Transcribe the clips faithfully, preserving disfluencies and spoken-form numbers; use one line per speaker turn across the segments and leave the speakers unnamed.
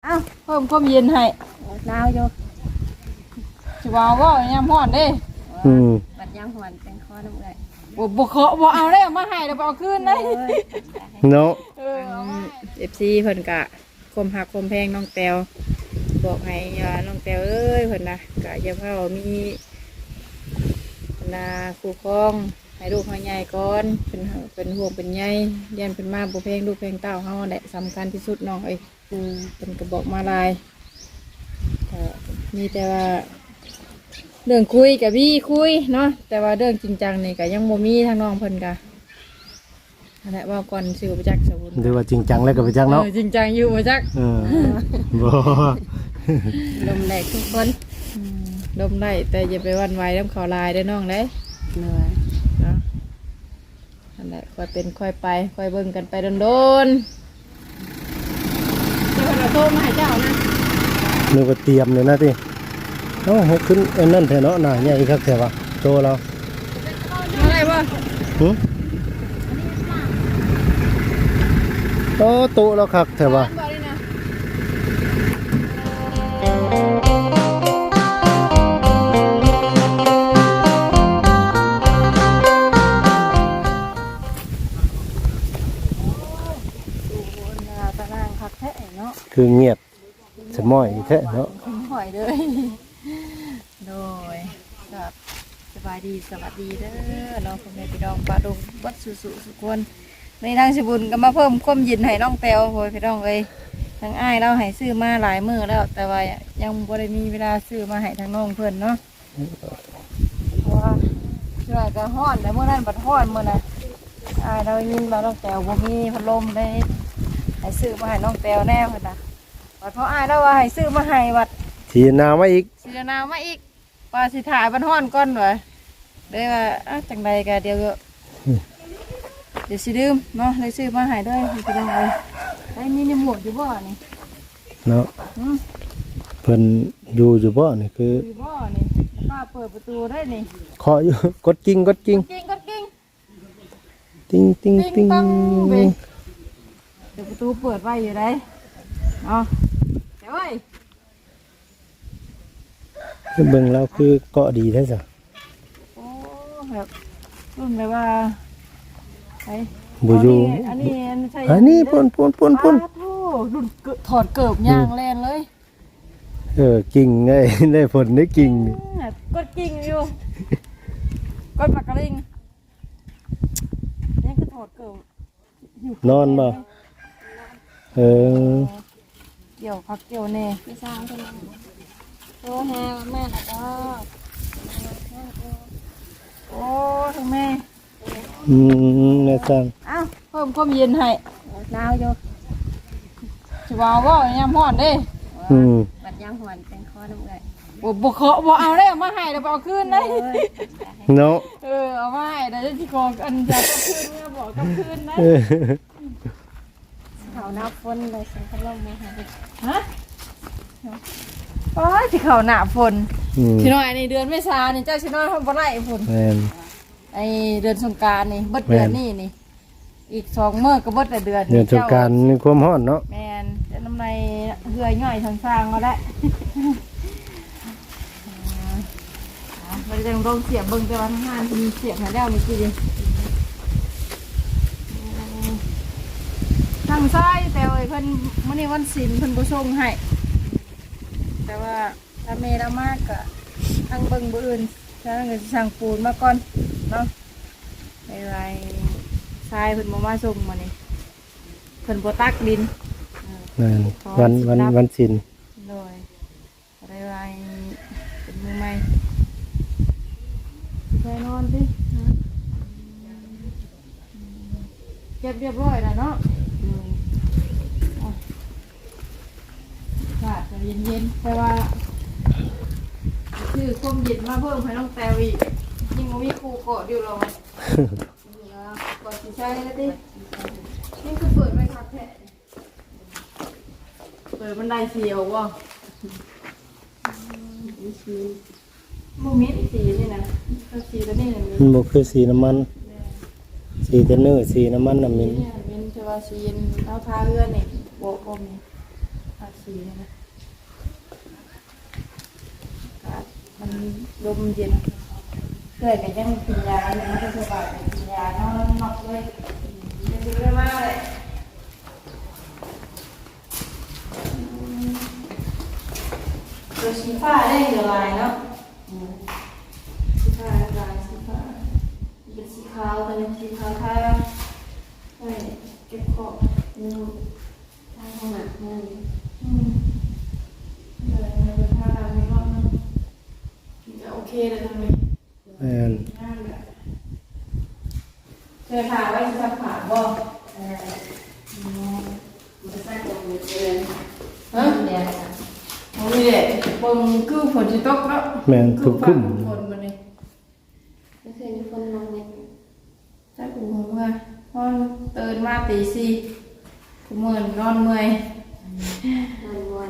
อ้าวเพิ่มความเย็นให้หนาวอยู่สิว่าว่ายามร้อนเด้อืมบัดยามร้อนเป็นคอน้ำเอื้อยบ่บ่เคาะบ่เอาได้มาให้แล้วบ่เอาคืนได้
เนาะ
เออ เอฟ ซี เพิ่นก็คมหักคมแพงน้องแตวบอกให้ว่าน้องแตวเอ้ยเพิ่นน่ะก็อย่าเผามีนาคู่ครองให้ลูกให้ใหญ่ก่อนเป็นเป็นห่วงเป็นใยยันเป็นมาบ่แพงลูกแพงเต้าเฮาแหละสำคัญที่สุดน้องเอ้ยอืมเป็นก็บอกมาลายก็มีแต่ว่าเรื่องคุยกับพี่คุยเนาะแต่ว่าเรื่องจริงจังนี่ก็ยังบ่มีทางน้องเพิ่นก็นั่นแหละว่าก่อนสิบ่จักสมุน
หรือว่าจริงจังแล้วก็บ่จักเนาะ
จริงจังอยู่บ่จัก
เออบ่
ลมแหลกทุกคนลมได้แต่อย่าไปวันไหวน้ำเขาลายได้น้องเด้เหนื่อยเนาะนั่นแหละค่อยเป็นค่อยไปค่อยเบิ่งกันไปโดนๆเจ้าเราโทรมาให้เจ้านะ
นึกว่าเตรียมเลยนะติเอ้าให้ขึ้นอันนั้นแท้เนาะหน้าใหญ่คักแท้ว่าโตแล้ว
อะไรบ่
หึโตโตแล้วคักแท้ว่าคือเงียบสมอยแท้เนาะ
หอยเลยโดยครับสบายดีสวัสดีเด้อน้องพ่อแม่พี่น้องปลาดุกวัดสุสุสุกวนในทางสิบุญก็มาเพิ่มความเย็นให้น้องแตวโอยพี่น้องเอ้ยทางอ้ายเราให้ซื้อมาหลายมื้อแล้วแต่ว่ายังบ่ได้มีเวลาซื้อมาให้ทางน้องเพิ่นเนาะเพราะว่าช่วยก็ฮ้อนแต่เมื่อนั้นบัดฮ้อนมื้อน่ะอ้ายเรายินว่าน้องแตวบ่มีพัดลมได้ให้ซื้อมาให้น้องแตวแน่เพิ่นน่ะวัดเพราะอ้ายแล้วว่าให้ซื้อมาให้วัด
สีนามาอีก
สีนามาอีกว่าสิถ่ายบันห้อนก้อนวะได้ว่าจังใดกันเดียวเดี๋ยวสิดื่มเนาะเลยซื้อมาให้ด้วยพี่น้องเลยไอ้นี่นี่หมวกอยู่บ่อนี่
เนาะเพิ่นอยู่อยู่บ่อนี่คือ
อยู่บ่อนี่ป้าเปิดประตูได้นี่
เคาะอยู่กดกิ้งกดกิ้ง
กิ้งกดกิ้ง
ติ้งติ้งติ้ง
เดี๋ยวประตูเปิดไว้อยู่ได้เนาะเดี๋ยวไว้
เบิ่งแล้วคือเกาะดีแท้จ้ะ
โอ้แบบรุ่นแบบว่าไอ้
บูยู
อันนี้อันนี้ใช่
อันนี้ปุ่นปุ่นปุ่นปุ่น
รุ่นถอดเกิบย่างแลนเลย
เออกิ่งไงได้ผลได้กิ่ง
กดกิ่งอยู่กดปากกระลิงนี่คือถอดเกิบ
นอนบ่เออ
เกี่ยวพักเกี่ยวเน่ไม่สร้างใช่ไหมโอ้แม่แม่แล้วก็โอ้ทั้งแม่
อืมแม่สั่ง
อ้าวเพิ่มความเย็นให้หนาวอยู่สิว่าว่ายามร้อนเด้
อืม
บัดยามร้อนเป็นคอน้ำเอื้อยบ่บ่เคาะบ่เอาได้มาให้แล้วบ่เอาคืนได้
เนาะ
เออเอามาให้ได้สิขออันจะเอาคืนเนี่ยบอกกับคืนนะเขาหน้าฝนเลยสิพัดลมมาให้ฮะโอ้ยที่เขาหนาฝนชิน้อยในเดือนเมษานี่เจ้าชิน้อยทำบ่ได้ฝนไอเดือนสงกรานต์นี่เบิดเดือนนี่นี่อีกสองมื้อก็เบิดแต่เดือน
เดือนสงกรานต์นี่ความร้อนเนาะ
แม่นจะน้ำในเหื่อยย่อยทางสร้างเอาได้เราจะลองเสียบเบิ่งแต่ว่าทางงานมีเสียบให้แล้วมีกี่ทางซ้ายแต่ว่าเพิ่นมื้อนี้วันศีลเพิ่นบ่ส่งให้แต่ว่าถ้าเมย์ละมากก็ทางเบิ่งบ่อื่นถ้าเงินสั่งปูนมาก่อนเนาะไปไรทรายเพิ่นบ่มาส่งมานี่เพิ่นบ่ตักดิน
วันวันวันศีล
โดยอะไรไรเป็นมือใหม่ไปนอนสิเก็บเรียบร้อยแล้วเนาะค่ะจะเย็นๆแต่ว่าคือความเย็นมาเพิ่มให้น้องแตวอีกยิ่งมีครูเกาะอยู่เราเกาะสีใช่แล้วดินี่คือเปิดไหมครับแท้เปิดบันไดเสียววะโมมิดสีนี่นะสีตัวนี้เลย
มันบอกคือสีน้ำมันสีเทนเนอร์สีน้ำมันน้ำมิน
มินจะว่าสีเอาทาเรือนี่โบกอมนี่สีนี่นะอากาศมันลมเย็นเคยกันยังกินยาเลยมันก็สบายไปกินยานอนนอกเลยจะดีมากเลยตัวสีฟ้าได้อยู่ลายเนาะสีฟ้าลายสีฟ้าเป็นสีขาวแต่เป็นสีขาวท่าใช่เก็บขอบอืมท่าขนาดนั้นอืมเลยเป็นท่าดำในรอบนั้นจะโอเคเลยทำไม
แม่น
เคยผ่าไว้สักผ่าบ่เออมันใส่ตรงนี้เลยฮะเนี่ยโอ้ยเด็กปงคือฝนจะตกแล้ว
แม่นทุกคุ้ม
ฝนมาเนี่ยไม่เคยมีฝนลงเนี่ยใช่ปูหัวพอตื่นมาตีสี่กูเมื่อยนอนเมื่อยนอนวัน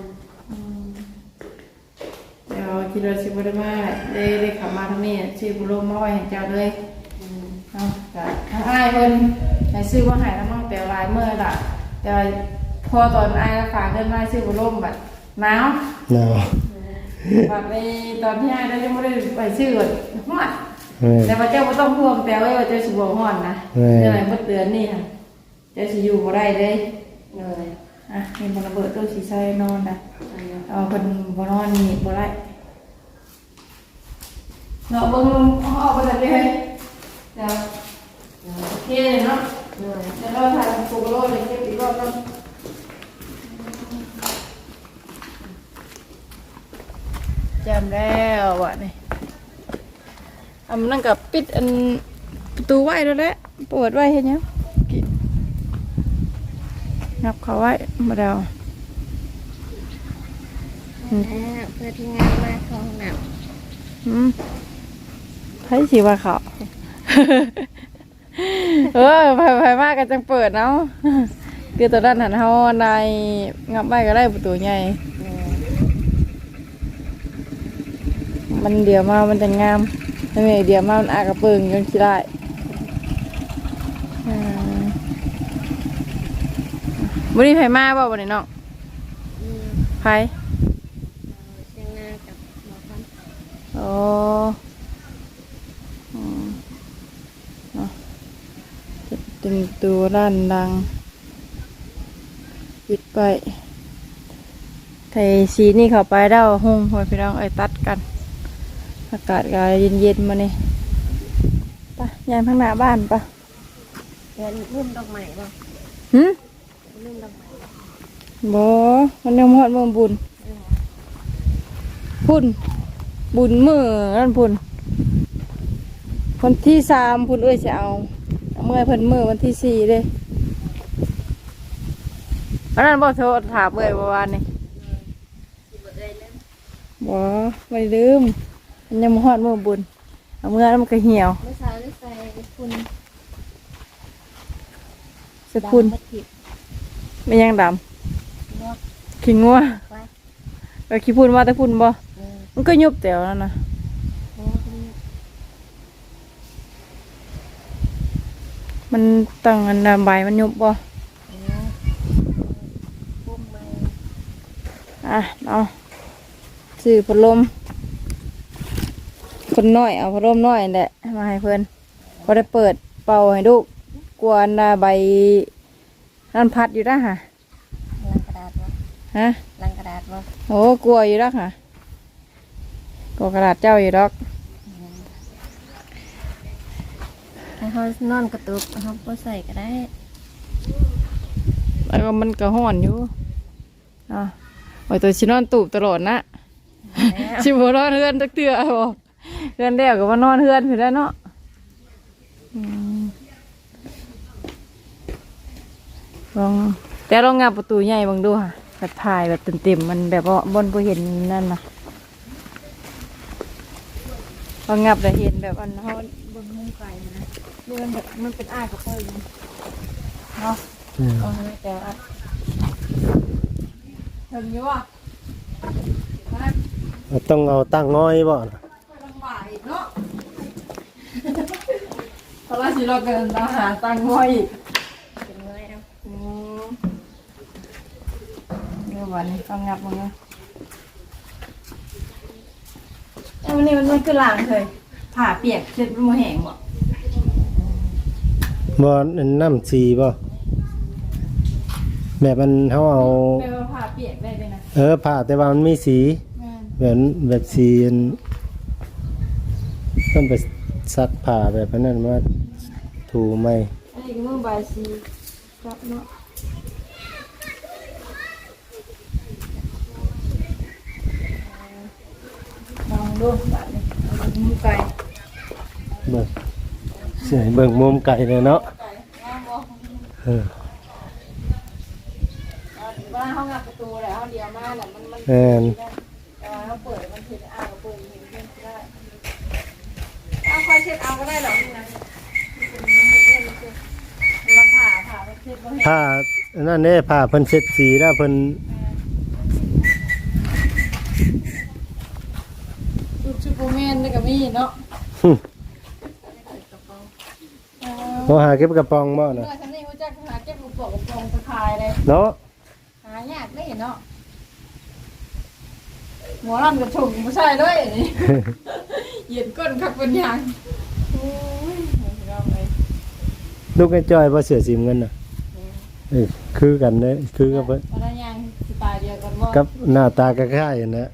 เดี๋ยวคิดว่าชิบุได้มาได้ได้ขับมาทางนี้ชิบุโรมาไว้ให้เจ้าเลยเอาแต่ถ้าอ้ายเพิ่นให้ซื้อว่าหายน้ำมันแต่ลายเมื่อละแต่พอตอนอ้ายฝากเงินมาซื้อบุโรมแบบหนาว
หนาว
แบบในตอนที่อ้ายได้ยังไม่ได้ไปซื้อก่อนฮ้อน
แม่น
แต่ว่าเจ้าไม่ต้องพ่วงแต่ว่าเจ้าสิบวฮ้อนนะ
แม่
เจ้าไหนเมื่อเดือนนี่ค่ะเจ้าสิอยู่บ่ได้เลยเลยอ่ะเห็นมันระเบิดตัวสีใส่นอนนะเอาคนบ่นอนนี่บ่ได้เนาะเบิ่งเอาออกไปเลยเฮ้ยเดี๋ยวโอเคเนาะเดี๋ยวเราถ่ายโฟโต้เลยเก็บอีกรอบนึงจำแล้ววะนี่อันนั้นกับปิดอันประตูไว้แล้วแหละเปิดไว้เห็นยังงับเขาไว้มาเดา
เพื่อที่งานมาเข้าห้องน้
อืมให้สีว่าเขา เออไปไปมากกันจังเปิดเนาะคือตอนนั้นหันเขาในงับไว้ก็ได้ประตูใหญ่มันเดี๋ยวมามันจะงามไม่เดี๋ยวมามันอากระเปิงจนขี้ได้อืมวันนี้ไผมาบ่วันนี้น้อง
ำอืม
ไผ
เชียงนากับหมอพัน
โอ้อืมเนาะจะตึงตัวด้านดังปิดไปไทยสีนี่เข้าไปเด้าหงหัวพี่น้องไอ้ตัดกันอากาศก็เย็นๆมานี่ไปยายข้างหน้าบ้านปะ
เดินรุ่มดอกไม้บ่
หืม
รุ่มดอกไม้บ่
บ่มันยังหอดมือบุญพุ่นบุญมือนั่นพุ่นวันที่สามพุ่นเอ้ยจะเอาเอาเมื่อเพิ่นมือวันที่สี่เลยอันนั้นบ่โทรถามเอ้ยเมื่อวานนี่
สิบ่ได้แล้ว
บ่ไม่ลืมมันยังบ่ฮอดมือบุญเอาเมื่อแล้วมันก็เหี่ยว
เมื่อเช้าได้ใส่คุณ
สกุล
ดำบัดผิด
ไม่ยังด
งอก
ำขี้งัว
ไว้
ก็ขี้พุ่นมาแต่พุ่นบ่
เออ
มันก็ยุบแตวนั่นน่ะ
โอ้คุณ
มันตั้งอันน่ะใบมันยุบบ่
โอ้ปุ้มมา
อ่ะเอาซื้อพัดลมคนน้อยเอาพัดลมน้อยแหละมาให้เพิ่นพอได้เปิดเป่าให้ลูกกลัวอันน่ะใบนั่นพัดอยู่นะฮะ
ลังกระดาษบ่
ฮะ
ลังกระดาษบ่
โอ้กลัวอยู่แล้วค่ะกลัวกระดาษเจ้าอยู่ดอก
ให้เขานอนกระตุกเขาบ่ใส่ก็ได้
แล้วก็มันก็ห้อนอยู่อ่ะโอ้ยตัวชินอนตูบตลอดนะ
แล้ว
ชิบนอนเฮือนตักเตือบ่เฮือนเดียวกับว่านอนเฮือนอยู่แล้วเนาะอืมลองแต่ลองงับประตูใหญ่เบังดูค่ะแบบถ่ายแบบเต็มๆมันแบบว่าบนบ่เห็นนั่นนะลองงับแต่เห็นแบบอันเขาบนมุมไกลนะดูมันแบบมันเป็นอ้ายกับเพิ่นเนาะ
อืม
เอาให้แต่ว่าถึงอยู่อ่ะมา
ต้องเอาตั้งง้อยบ่น่ะ
ลำบากอีกเนาะเพราะว่าสิเราเกินเราหาตังค์ง่อยอีก
เป็นเมื่อยเอา
อืมเนื้อใบวันนี้ต้องงับมึงเนาะไอ้วันนี้มันมันคือล้างเลยผ่าเปียกเช็ดมันแห้งบ่
บ่อันน้ำสีบ่แบบมันเฮาเอา
แปลว่าผ่าเปียกได้เลยนะ
เออผ่าแต่ว่ามันมีสี
แม่น
แบบแบบสีอันต้องไปซักผ้าแบบนั้นมาถูไหม
อันนี้ก็มือบายซีครับเนาะลองดูแบบนี้เอามือไก่
เบิ่งเสียเบิ่งมุมไก่เลยเนาะ
ไก่งามบ่
เออ
เอาว่าห้องงับประตูแล้วเดียวมาเนี่ยมันมัน
แม่น
แต่ว่าเขาเปิดมันเห็นอ่างก็เปิดเห็นเพื่อนก็ได้เอาค่อยเช็ดเอาก็ได้หรอกนี่นะเราผ่าผ่าไปเช็ดบ่เห็น
ผ้าอันนั่นเด้ผ้าเพิ่นเช็ดสีแล้วเพิ่น
รูปชูโปแมนนี่ก็มีเนาะ
หึโหหาเก็บกระป๋องบ่
เมื่
น่ะ
อฉันนี่รู้จักหาเก็บลูกโป่งกระป๋องตะคายเลย
เนาะ
หายากได้เนาะหมอรันกับชงไม่ใช่เลยนี่ เหยียดก้นคักเป็นยางโอ้ยเราเลย
ลูกไอ้จ้อยบ่เสือสีเงินน่ะเอ้ยคือกันเด้คือกับเพิ่น
พนักงานสไตล์เดียวกันว่า
กับหน้าตาคล้ายๆกันนะ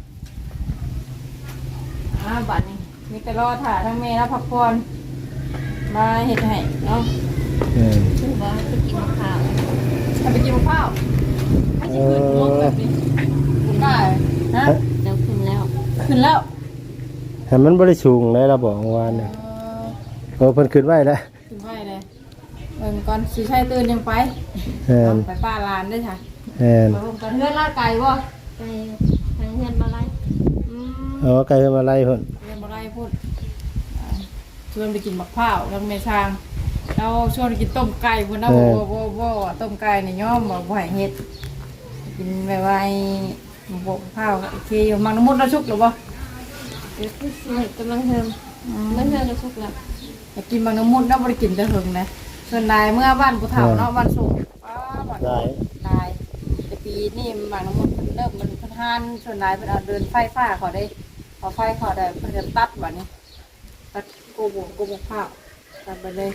อ่าบัดนี้มีแต่รอถ่าทั้งเมย์และพักผ่อนมาเห็ดให้เนาะ
เออ
คือว่าไปกินมะพร้าวทำไปกินมะพร้าวไม่ใช่ขึ้นลงแบบนี้คุณได้นะ
เดี๋ยวขึ้นแล้ว
ขึ้นแล้ว
ให้มันบ่ได้สูงเลยเราบอกเมื่อวานน่ะ
เออ
โอ้เพิ่นขึ้นไว้แล้ว
ขึ้นไปเลยเบิ่งก่อนสีชัยตื่นยังไป
แม่น
ไปป้าลานได้ค่ะ
แม่น
ไปผมกันเพื่อนลาดไก่บ่
ไปทางเงินมาไล่
อืม
เอาไก่ขึ้นมาไล่เพิ่น
เรียนบ่ได้พูดอ่าชวนไปกินมะพร้าวแล้วเมชางเราชวนไปกินต้มไก่พุ่นนะบ่บ่บ่บ่ต้มไก่นี่ย่อมบ่บ่ให้เฮ็ดกินแบบว่าไอ้มะพร้าวโอเคอยู่มังน้ำมดแล้วชุกหรือบ่
เดี๋ยวขึ้นสิกำลังเทิมมันเทิมจะสุกแล้ว
อยากกินมังน้ำมดแล้วบ่ได้กินแต่หึงนะส่วนนายเมื่อบ้านผู้เฒ่าเนาะบ้านสุกป้าบ้าน
ได้
นายแต่ปีนี้มังน้ำมดเพิ่นเริ่มมันเพิ่นหานส่วนนายเพิ่นเอาเดินไฟฟ้าเขาได้พอไฟเขาได้เพิ่นจะตัดบัดนี้ตัดโกโบโกโบข้าวตัดไปเลย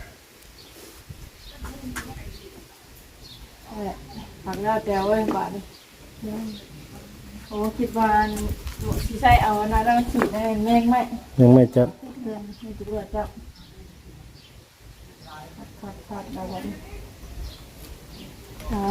นั่นแหละผักแล้วแต่เว้ยบาดนี้โอ้คิดว่าสิใช้เอาอันนั้นแล้วฉีดได้แม่งไหม
ยังไม่จับ
เพื่อนไม่จะรู้จักขัดขัดแล้วกันอ่า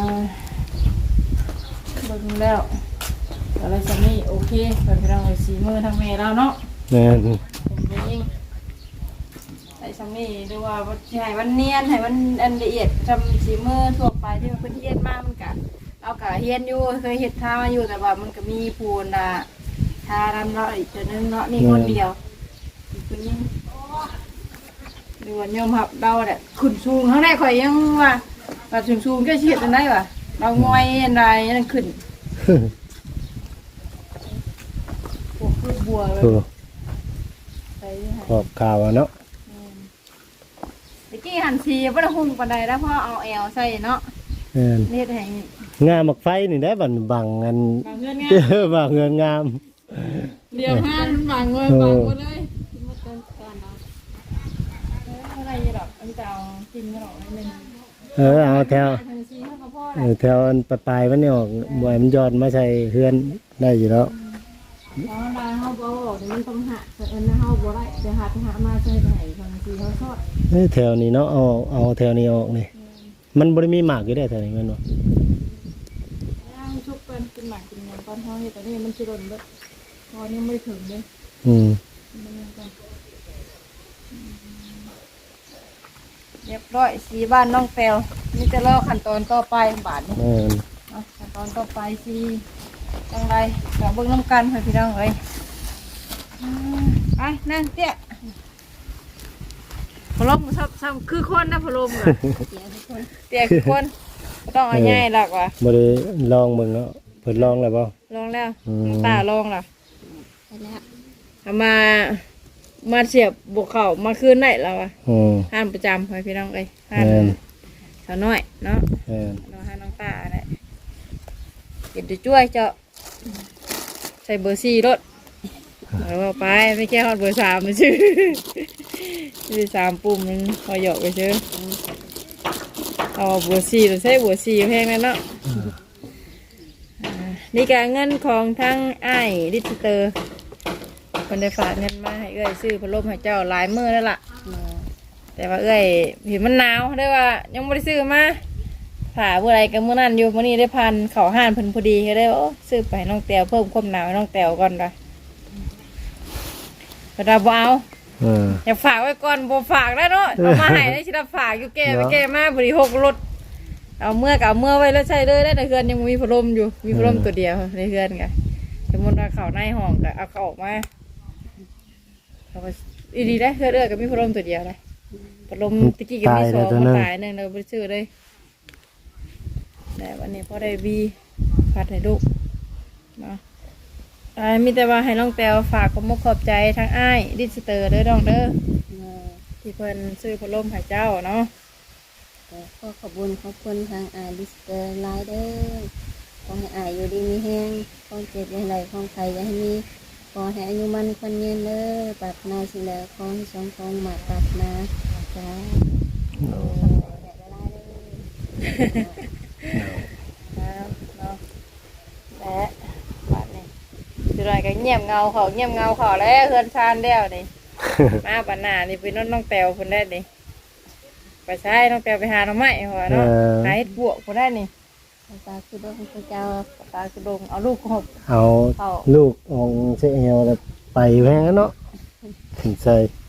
เบิ่งแล้วอะไรจะนี่โอเคเปิดไปลองเลยสีมือทางเมย์แล้วเนาะ
แม่น
เป็นเองไอ้สามีดูว่าว่าสิให้มันเนียนให้มันอันละเอียดทำสีมือทั่วไปที่มันเป็นเฮียนมากมันกะเอากะเฮียนอยู่เคยเห็ดทามาอยู่แต่ว่ามันก็มีปูนอ่ะทาดำเนาะอีกตัวนึงเนาะนี่คนเดียวอีกคนนึงดูว่ายอมหับเราแหละขุนสูงข้างในข่อยยังว่าว่าสูงสูงๆก็เฉียดอันไหนวะเรางอยอันใดนั่นขึ้นโอ้คือบัวเลย
โอ้
ใส่ให้
ขอบข่าวอะเนาะ
ตะกี้หันทีบ่ได้หุ่งปานใดแล้วพ่อเอาแอลใส่เนาะ
แม่น
เฮ็ดให้
งามมักไฟนี่ได้บัดบังอัน
บางเงินไง
เออบางเงินงาม
เดี๋ยวห้านบางเงินบางหมดเลย
มาเติมกันเนาะ
เอออะไรอยู่ดอกอันนี้จะเอากินไม่หรอกนิดนึง
เออเอาแถว
ทันทีเท่ากับพ่อ
เอ
แหละ
อแถวอันปลายๆมันนี่ออกบ่ให้มันยอดมาใส่เฮือนได้อยู่แล้ว
เพราะว่าเฮาบ่บอกเดี๋ยวมันต้องหาแต่เอิ้นเฮาบ่ได้เดี๋ยวหาไปหามาใส่ไปให้ทันทีเฮาทอด
เอ้ยแถวนี้เนาะเอาเอาแถวนี้ออกนี่มันบ่ได้มีหมากอยู่ได้แถวนี้แม่นบ่
ย่างชุบเป็นกินหมักกินหยังตอนเฮาเฮ็ดแต่นี่มันสิหล่นเบิดพอนี่ไม่ถึงเลย
อืม
เรียบร้อยสีบ้านน้องแปวนี่จะรอขั้นตอนต่อไปบาทนี้
แม่น
เอาขั้นตอนต่อไปสีจังไรกับเบิ้งน้ำกันให้พี่น้องเลยอืมไปนั่งเตี้ยพะโล้มซ้ำซ้ำคือคนนะพะโล้มอะ
เสียทุกคน
เตี้ยคือคนบ่ต้องเอาง่ายหรอกว่ะ
บ่ได้ลองเบิ่งเนาะเพิ่นลองแล้วบ่
ลองแล้ว
อืม
น้ำตาลองแล้ว
ไปแล้ว
เอามามาเสียบบวกเข่ามาคืนได้แล้วอ่ะ
อืม
ห้ามประจำให้พี่น้องเลยห้าม
แม่น
สาวน้อยเนาะ
แม่น
เราให้น้องตาอะไรเห็นจะช่วยเจาะใส่เบอร์สี่รถแล้วว่าไปไม่แค่ฮอดเบอร์สามมันชื่อชื่อสามปุ่มมันพอหยอกไปเชื่อเอาเบอร์สี่เราใช้เบอร์สี่แพงนั่นเนาะนี่การเงินของทั้งไอ้ดิจิเตอร์คนได้ฝากเงินมาให้เอ้ยซื้อพัดลมให้เจ้าหลายมือแล้วล่ะแต่ว่าเอ้ยเห็นมันหนาวได้ว่ายังไม่ได้ซื้อมาผ่าเมื่อไรกันเมื่อนั้นอยู่มื่อนี้ได้พันเข่าห้านเพิ่นพอดีก็ได้โอ้ซื้อไปน้องแตวเพิ่มความหนาวให้น้องแตวก่อนไปกระดาบเอา
เออ
อย่าฝากไว้ก่อนบ่ฝากได้เนาะเอามาให้ได้ชิดฝากอยู่แก่ไปแก่มาบริหกรถเอาเมื่อกับเอาเมื่อไว้แล้วใช้เลยได้ในเฮือนยังมีพัดลมอยู่มีพัดลมตัวเดียวในเฮือนกันสมมติว่าเขาในห้องก็เอาเขาออกมาเขาก็อีดีได้เฮือนเอื้อก็มีพัดลมตัวเดียวเลยพัดลมตะกี้ก็มีสองมาตายหนึ่งเราไปซื้อเลยแต่วันนี้พอได้บีพัดให้ลูกเนาะอ่ามีแต่ว่าให้น้องแตวฝากความมุกขอบใจทั้งอ้ายดิจิเตอร์เด้อน้องเด้อที่เพิ่นซื้อพัดลมให้เจ้าเนาะ
ขอขอบคุณขอบคุณทางอาลิสเตอร์ไลเดอร์ขอให้อายอยู่ดีมีแห้งความเจ็บอย่างไรของใครอย่าให้มีขอให้อายุมันคนยืนเด้อปรารถนาสิ่งใดขอให้สมความหมายปรารถนาจ้า
แล้วเนาะและบัดนี้จุดไหนก็เงียบเงาเขาเงียบเงาเขาแล้วเฮือนชานเดียวนี่ มาปัญหานี่ไปน้องน้องแตวคนได้นี่ไปใช้น้องแตวไปหาหน่อไม้หัวเนาะหาเห็ดบวกคนได้นี่
ตาคือดวงพระเจ้า
ตาคือดงเอาลูกหบ
เอาลูกของเสียเอวแล้วไปแพงเนาะถึงใส่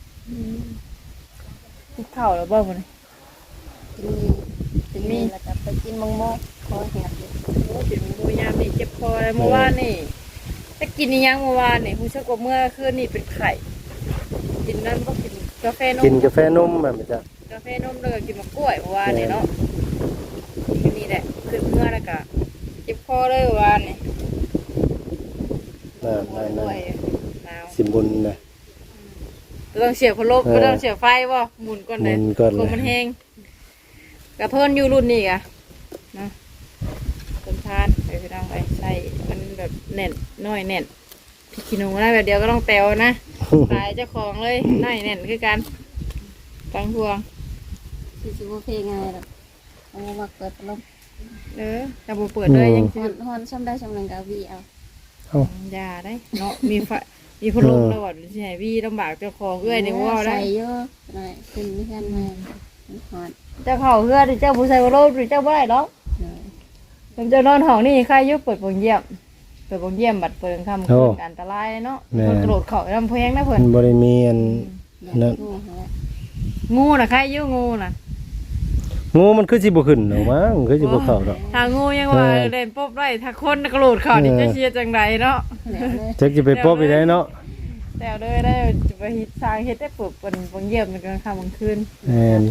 กินข้าวแล้วบ่มัน
มีจะมีแล้วก็ไปกินมังโมขอเหียบอยู่
โอ้จิตมูยามนี่เจ็บคอเลยเมื่อวานนี่ถ้ากินนี่ยังเมื่อวานนี่ผู้ชายกว่าเมื่อคืนนี่เป็นไข่กินนั่นก็กินกาแฟนม
กินกาแฟนมแบบนี้จ้ะ
กาแฟนมแล้วก็กินมะกล้วยเมื่อวานนี่เนาะกินนี่แหละขึ้นเมื่อแล้วก็เจ็บคอเลยเมื่อวานนี่
นั่นนั่น
กล้
นั่
วน ยหนาว
สิบุญนะ
ต้องเสียบพัดลมก็ต้องเสียบไฟบ่หมุนก่อนเลย
หมุนก่อนเลย
คงมันแห้งกระเพิ่นอยู่รุ่นนี้กะนะต้นทานไปไปดังไปใส่มันแบบแน่นน้อยแน่นพี่ขี้หนูนะแบบเดียวก็ต้องแตวนะ ตายเจ้าของเลยน้อยแน่นคือกันฟังพวง
สิสิบ่เพลงไงล่ะเอามาเปิดพัดลม
เออจะบ่เปิดเลยยัง
ฮอนฮอนซ้ำได้ซ้ำหนึ่งกับวีเอา
เอา
ยาได้เนาะมีไฟมีพัดลมตลอดใช่พี่ลำบากเจ้าของเอ้ยในว่าได้
ใส่เยอะหน่อยขึ้นไม่ทันมามันฮอน
เจ้าเขาเพื่อเจ้าผู้ชายพัดลมหรือเจ้าบ่ได้หรอก
หน่อย
ผมจะนอนห้องนี่ใครยุบเปิดโปงเยี่ยมเปิดโปงเยี่ยมบัดเปิดคำคืนอันตรายเนาะเพิ่นกระโดดเขาลำเพงนะเพิ่
มัน นบริเมียน
อยากงูหา
งูน่ะใครยุงูน่ะ
งูมันคือสิบ่ขึ้นหรอกมั้งคือสิบ่เข้าดอก
ถ้างูยังว่าเล่นปุ๊บได้ถ้าคนกระโดดเขานี่จะเชียร์จังไรเนาะ
แล้วเลย
จักสิไปปบอีได้เนาะ
แต่เลยได้จะไปฮิตสร้างเฮ็ดได้ปลุกเป็นโปงเยี่ยมในกลางค่ำกลางคืน
แม่น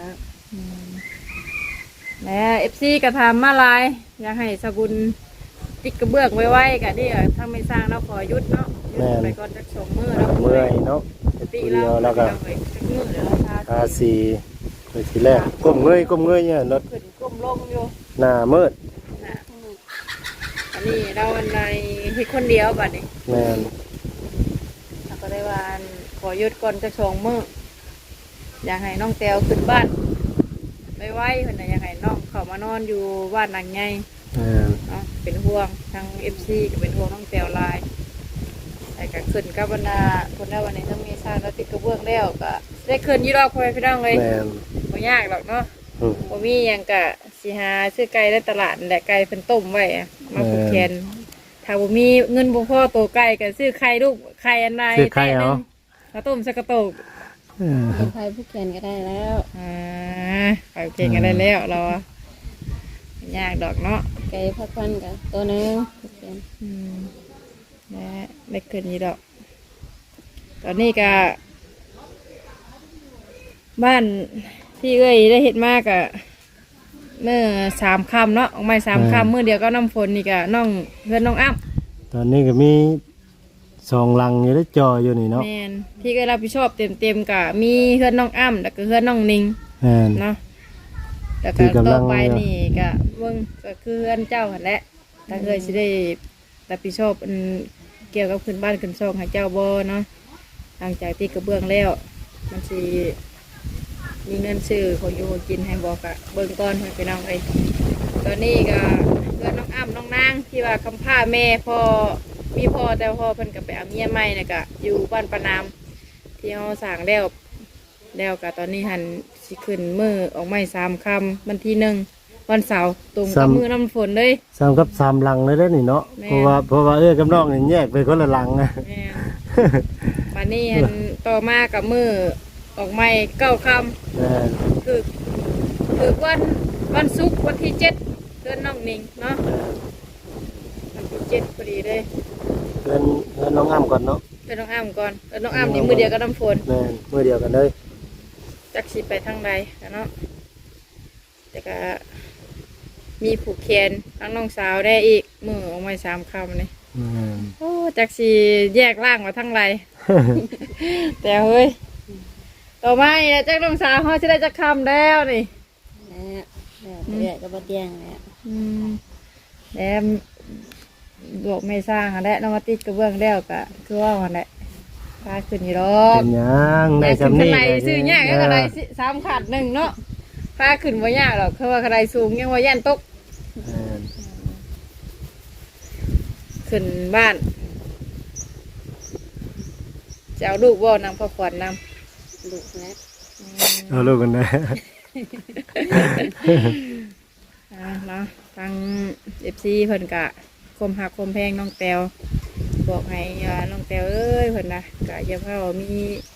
แหม่เอฟซีกระทำมาลายอยากให้สกุลติดกระเบื้องไว้ไว้กะนี่ถ้าไม่สร้างเราขอยุดเนาะยุดไปก่อนจะสองมือแล้ว
เมื่อยเนาะ
ตีเราเราก็มือเดี๋ยวเราทา
ทาสีไปทีแรกก้มเงยก้มเงยเนี่ยรถ
ขึ้นก้มลงอยู่
หน้ามืด
นะอันนี้เราในเฮ็ดคนเดียวบัดนี้
แม่น
เราก็ได้ว่าขอยุดก่อนจะสองมืออยากให้น้องแตวขึ้นบ้านไว้ไว้เพิ่นน่ะอยากให้น้องเข้ามานอนอยู่บ้านหลังใหญ่
แม่น
เนาะเป็นห่วงทางเอฟซีก็เป็นห่วงน้องแตวลายแต่ก็ขึ้นกับบรรดาคนได้วันนี้ต้องมีสร้างแล้วติดกระเบื้องแล้วก็ได้ขึ้นยี่รอบคอยพี่น้องเลย
แม่น
ไม่ยากหรอกเนาะ
อืม
บ่มีหยังกะสิหาซื้อไก่ในตลาดนั่นแหละไก่เป็นต้มไว้อะมาผูกแขนถ้าบ่มีเงินบ่พอโตไก่ก็ซื้อไข่ลูกไข่อันใด
ซื้อไข่เอา
ข้าวต้มสักกระโตก
เออ
เป็นไฟผู้แขนก็ได้แล้ว
อ่าไปเก่งกันได้แล้วเราอะไม่ยากดอกเนาะ
ไก่พักวันกับตัวหนึงผู้แขน
อืมและได้ขึ้นนี้ดอก ตอนนี้ก็บ้านที่เอ้ยได้เห็ดมากอะเมื่อสามคำเนาะออกมาสามคำเมื่อเดียวก็น้ำฝนนี่ก็น้องเพื่อนน้องอ้ำ
ตอนนี้ก็มีสองลังอยู่ได้จออยู่นี่เนาะ
แมนที่ก็รับผิดชอบเต็มเต็มๆกับมีเพื่อนน้องอ้ำแล้วก็เพื่อนน้องนิง
แม่น
เนาะแต่
ที่
ก็
กำลั
ต่อง ไปนี่ก็เบิ่งก็คือเพื่อนเจ้าหันแหละถ้าเอ้ยสิได้รับผิดชอบอันเกี่ยวกับขึ้นบ้านขึ้นช่องให้เจ้าบ่เนาะหลังจากที่กระเบื้องแล้วมันสิมีเงินซื้อของอยู่ของกินให้บอกอะเบิ่งก่อนให้ไปน้องเอ้ยตอนนี้ก็เพื่อนน้องอ้ำน้องนางที่ว่าคำผ้าแม่พ่อมีพ่อแต่พ่อเพิ่นก็ไปเอาเมียใหม่น่ะก็อยู่บ้านปานามที่เฮาสร้างแล้วแล้วก็ตอนนี้หันสิขึ้นมือออกไม้สามคำวันที่หนึ่งวันเสาร์ตรงกับมือน้ำฝนเลย
สามกับสามหลังเลยเด้อนี่เนาะ
แม่
เพราะว่าเพราะว่าเอ้ยกับน้องนี่แยกไปคนละหลังนะ
แม่นวันนี้หันต่อมากับมือออกไม้เก้าค
แม่น
ำคือคือวันวันศุกร์วันที่เจ็ดเดือนน้องหนิงเนาะวันที่เจ็ดพอดีเลย
เพิ่นเพิ่นน้องอ้ำก่อนเนาะ
เดือนน้องอ้ำก่อนเดือนน้องอ้ำนี่มือเดียวกับน้ำฝน
แม่นมื้อเดียวกันเลย
จักสิไปทางใดกันเนาะแต่ก็มีผูกแขนทั้งน้องสาวได้อีกมือออกไม้สามคำนี่
แม่น
โอ้จักสีแยกร่างมาทั้งไร แต่เฮ้ยต่อมานี่แหละจักน้องสาวเขาจะได้จักคำแล้วนี่
แล้วแล้วเรื่อยก็บ่เตียงแล้ว
อืมแล้วบอกไม่สร้างอะแหละน้องมาติดกระเบื้องแล้วก็คือว่าวันแหละพาขึ้นอยู่หรอก
เป็นหยังได้
แต่ขึ้น
สำ
ข้า
นี้
งในซื้อยากก็กระไดสิสามขาดหนึ่งเนาะพาขึ้นว่ายากหรอกคือว่ากระไดสูงยังว่าย่านตก
แม่น
ขึ้นบ้านจะเอาลูกว่านำพ่อขวัญนำ
ลูกแล้ว
เอาลูกกันนะ
อ่าเนาะทางเอฟซีเพิ่นกะคมหักคมแพงน้องแตวบอกให้อ่าน้องแตวเอ้ยเพิ่นนะกะอย่าเพิ่งมี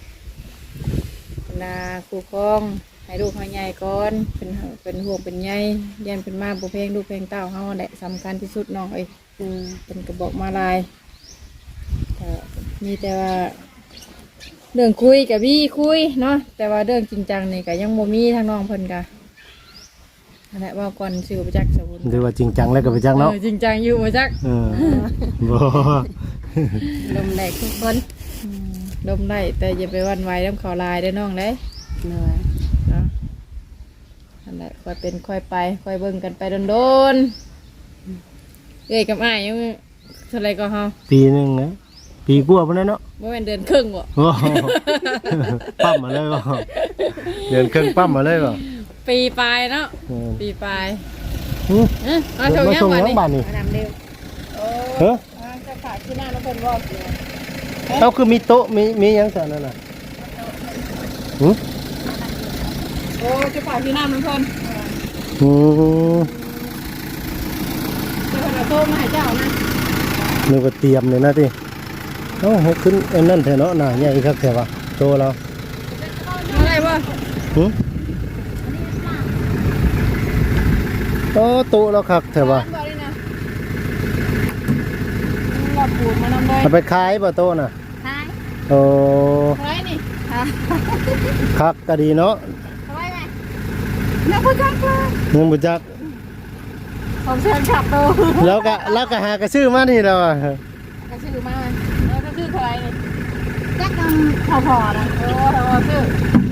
นาคู่ครองให้ลูกเขาใหญ่ก่อนเป็นเป็นห่วงเป็นใยยันเป็นมาบุเพงลูกเพลงเต้าเฮาแหละสำคัญที่สุดน้องเอ้ย
อืม
เป็นกระบอกมาลายก็มีแต่ว่าเรื่องคุยกับพี่คุยเนาะแต่ว่าเรื่องจริงจังนี่ก็ยังโมมีทางน้องเพิ่นกะนั่นแหละว่าก่อนซื้อไปจักสมุน
หรือว่าจริงจังแล้วก็ไปจังเนาะ
เออจริงจังอยู่มาจัก
เออบ่
ลมแดกทุกคน
อืมดมได้แต่อย่าไปหวันไหวน้ำเขาลายเด้อน้องเด้
เหนื่อย
เนาะนั่นแหละค่อยเป็นค่อยไปค่อยเบิ่งกันไปโดนๆเอ้ยกับอ้ายยังเท่าไรก็เฮา
ปีหนึงนะปีกว่าพุ่นแล้วเนาะ
บ่แม่นเดือนครึ่งบ่
โอ้โหปั๊มมาเลยบ่เดินเครื่องปั๊มมาเลยบ่
ปีปลายเนาะ
เออ
ปีปลาย
หึ
เอ้ยมาชม
มา
ยัง
ส่ง
บัด
ยัง
นี้
บ้านนี่
มาดำเร็ว
โอ้
เฮ้อ
อ่าจะฝากที่หน้าน้องเพิ่นบอกอยู่
เอาคือมีโต๊ะมีมีหยังซั่นนั่นน่ะหึ
โอ้จะฝากที่หน้าน้องเพิ่น
อืม
จะเพิ่นเอาโทรมาให้เจ้านะ
นึกว่าเตรียมเลยนะติเอ้าให้ขึ้นไอ้นั่นแท้เนาะหน้าใหญ่คักแท้ว่ะโตแล้ว
เอาได้บ่
หึโอ้โตแล้วคักแท้ว่ะ
บ่ได้นะเราปูนมานำเลย
เอาไปขายบ่โตน่ะ
ใช่
โอ้
เท่าไหร่นี่
คักก็ดีเนาะ
เท่าไหร่ไหมนักผู้จักเลย
ยังบ่จัก
ผมเชิญขับโต
แล้วก็แล้วก็หากระซื้อมานี่แล้วอ่ะ
ก็ชื่อมาแล้วก็ชื่อเท่าไหร่นี่จักกันพอๆนะโอ้โหชื่อ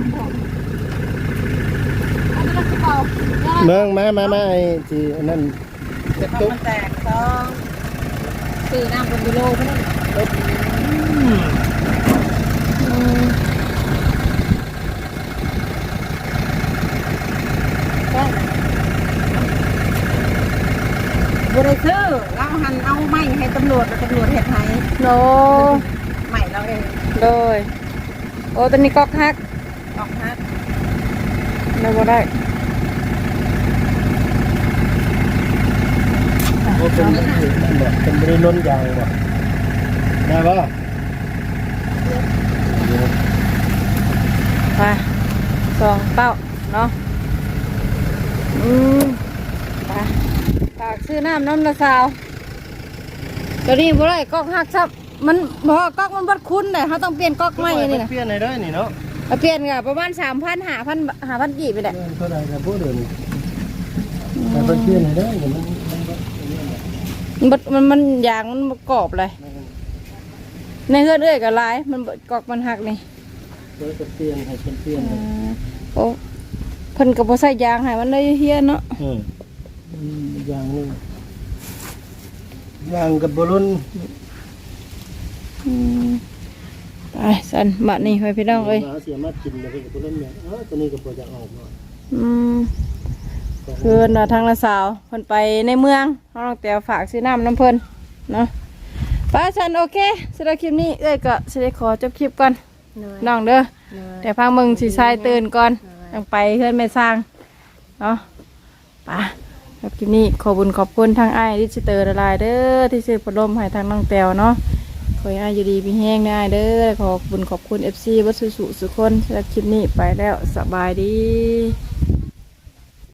อันนี้กระเป๋า
เมืองมามามาไอ้ที่อันนั่น
กระเป๋ามันแตกต้องซื้อน้ำเป็นกิโลเพิ่นอืมบริซื้อเราหันเอาไม้ให้ตำรวจตำรวจเห็ดให้โนใหม่เราเองโดยโอ้ตอนนี้ก๊อกฮักก๊อกฮักเราบ่ได้
โอ้เป็นนั่นบ่เป็นบริล้นยางบ่ได้บ่
ไปสองเต้าเนาะอืมไปฝากซื้อน้ำน้ำละสาวตัวนี้บ่ได้ก๊อกฮักซับมันบ่ก๊อกมันบัดคุ้นเลยเขาต้องเปลี่ยนก๊อกใหม่นี่นะ
เปลี่ยนให้ได้นี่เนาะ
เอาเปลี่ยนกับประมาณสามพันห้าพันห้าพันกี่ไปแหละ
เท่าใดครับบ่เดี๋ยวนี้แต่เพิ่นเปลี่ยนให้ได้เดี๋ยวมันมันก็อันนี้แหละ
มันมันมันยางมันประกอบเลยในเฮือนเอ้ยกับลายมันบ่ก๊อกมันหักนี่
เพิ่นก็เปลี่ยนให้เพิ่นเปลี่ยนให้
โอ้เพิ่นก็บ่ใส่ยางให้มันเลยเฮียเนาะ
อืมอืมอย่างนี้ย่างกับบรุน
อืมไปสันบัดนี้ให้พี่น้องเอ้ย
หาเสียมากินแล้วกับบรุนเนี่ยเออตัวนี้ก็บ่จะออกมา
อืมคือน่ะทางละสาวเพิ่นไปในเมืองเฮาต้องแต่ฝากซื้อน้ำน้ำเพิ่นเนาะไป้าสันโอเคสำหรับคลิปนี้เอ้ยก็สิได้ขอจบคลิปก่อน
โดย
น้องเด้อ
โดย
แต่พังมึงสิชายตื่นก่อนต้องไปเพื่อนแม่สร้างเนาะไป่ะครับคลิปนี้ขอบุญขอบคุณทางไอ้ายดิจิเตอร์ละลายเด้อที่ซื้อพัดลมให้ทางน้องแตวเนาะขอให้อ้ายอยู่ดีมีแห้งได้เด้อขอบบุญขอบคุณ เอฟ ซี วัดสุสุสุคนสำหรับคลิปนี้ไปแล้วสบายดี